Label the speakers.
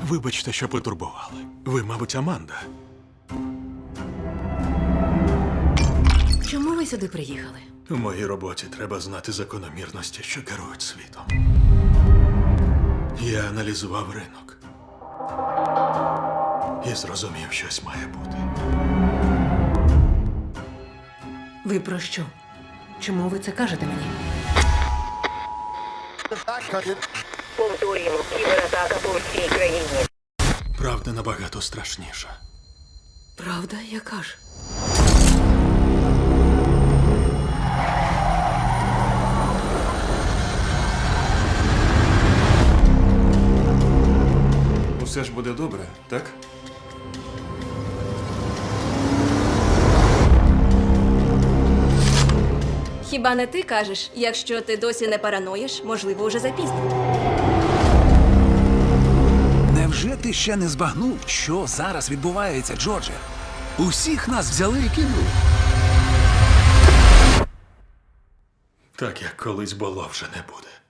Speaker 1: Вибачте, що потурбували. Ви, мабуть, Аманда.
Speaker 2: Чому ви сюди приїхали?
Speaker 1: У моїй роботі треба знати закономірності, що керують світом. Я аналізував ринок. І зрозумів, щось має бути.
Speaker 2: Ви про що? Чому ви це кажете мені?
Speaker 3: Повторюємо, кібератака по всій країні.
Speaker 1: Правда набагато страшніша.
Speaker 2: Правда, яка ж?
Speaker 4: Усе ж буде добре, так?
Speaker 5: Хіба не ти кажеш, якщо ти досі не параноїш, можливо, уже запізно.
Speaker 6: Невже ти ще не збагнув, що зараз відбувається, Джордже? Усіх нас взяли і кинули.
Speaker 1: Так, як колись було, вже не буде.